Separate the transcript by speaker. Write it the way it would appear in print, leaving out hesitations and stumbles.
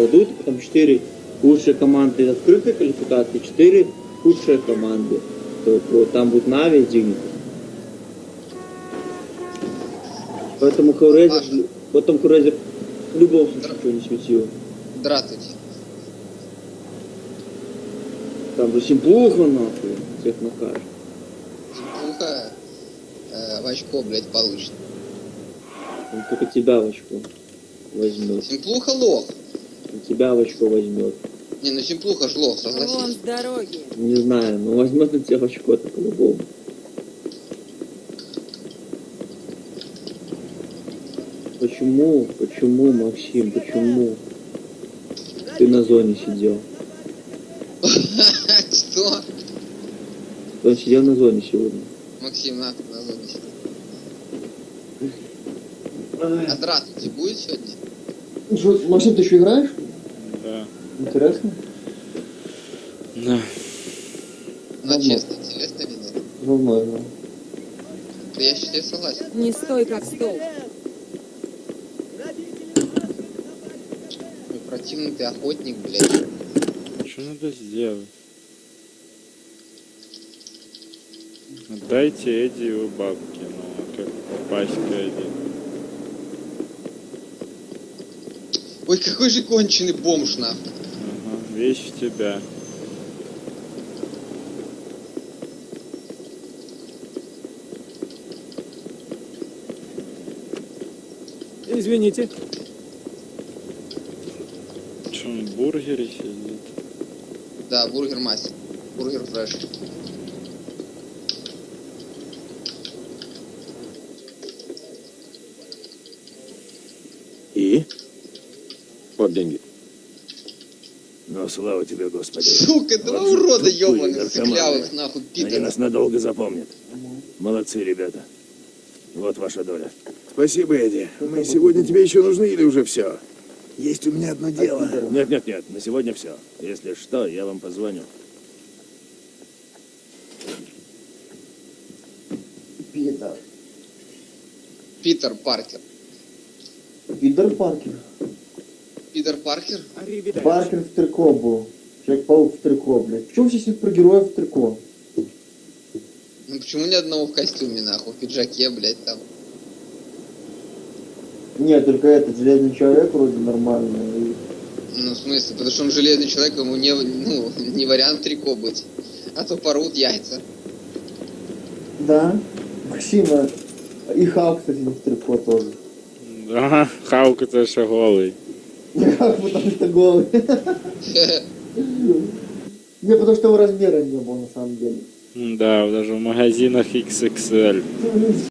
Speaker 1: дадут, там 4 лучшие команды открытой квалификации, 4 худшие команды. То вот, там будет Нави и Дигнити. Поэтому Хеллрейзер, потом Хеллрейзер в любом случае ничего не светил.
Speaker 2: Здравствуйте.
Speaker 1: Там же Симплуха нахуй, всех накажет.
Speaker 2: Симплуха в очко, блядь, получит.
Speaker 1: Он только тебя в очко возьмет.
Speaker 2: Симплуха лох.
Speaker 1: Он тебя в очко возьмет.
Speaker 2: Не, ну Симплуха ж лох,
Speaker 3: Вон
Speaker 2: согласись.
Speaker 3: с дороги.
Speaker 1: Не знаю, но возьмет на тебя в очко-то по-любому. Почему? Почему, Максим? Почему? Ты на зоне сидел.
Speaker 2: Что?
Speaker 1: Он сидел на зоне сегодня.
Speaker 2: Максим, на зоне сидит. А здравствуйте, будет сегодня?
Speaker 4: Что, Максим, ты еще играешь?
Speaker 5: Да.
Speaker 4: Интересно?
Speaker 5: Да.
Speaker 2: Ну, честно, интересно или нет?
Speaker 4: Давно играл.
Speaker 2: Да я считаю, согласен.
Speaker 3: Не стой как стол.
Speaker 2: Ой, противный ты охотник, блядь.
Speaker 5: Что надо сделать? Отдайте Эдди его бабки, ну а как попасть к Эдди?
Speaker 2: Ой, какой же конченый бомж, нахуй.
Speaker 5: Ага, вещь в тебя.
Speaker 6: Извините.
Speaker 5: Что он в бургере сидит?
Speaker 2: Да, бургер мастер. Бургер фреш.
Speaker 7: И? Вот деньги. Ну, слава тебе, Господи.
Speaker 2: Сука, два
Speaker 7: Вот же
Speaker 2: урода
Speaker 7: тупые
Speaker 2: ёбаных,
Speaker 7: наркоманы.
Speaker 2: сыклявых, нахуй,
Speaker 7: Они
Speaker 2: пидоров.
Speaker 7: нас надолго запомнят. Молодцы, ребята. Вот ваша доля.
Speaker 8: Спасибо, Эдди. Мы сегодня тебе еще нужны или уже все? Есть у меня одно дело.
Speaker 7: Нет, на сегодня все. Если что, я вам позвоню.
Speaker 4: Пидор.
Speaker 2: Питер Паркер.
Speaker 4: Пидор Паркер.
Speaker 2: Питер Паркер?
Speaker 4: Паркер в трико был. Человек-паук в трико, блядь. Почему все супергерои в трико?
Speaker 2: Ну почему ни одного в костюме, нахуй, в пиджаке, блядь, там?
Speaker 4: Нет, только этот железный человек вроде нормальный.
Speaker 2: Ну, в смысле, потому что он железный человек, ему не вариант трико быть. А то порвут яйца.
Speaker 4: Да. Максима. И Халк, кстати, в трико тоже.
Speaker 5: Да, Хаук это же голый.
Speaker 4: Как потому что голый. Не, потому что его размера не было на самом деле.
Speaker 5: Да, даже в магазинах XXL.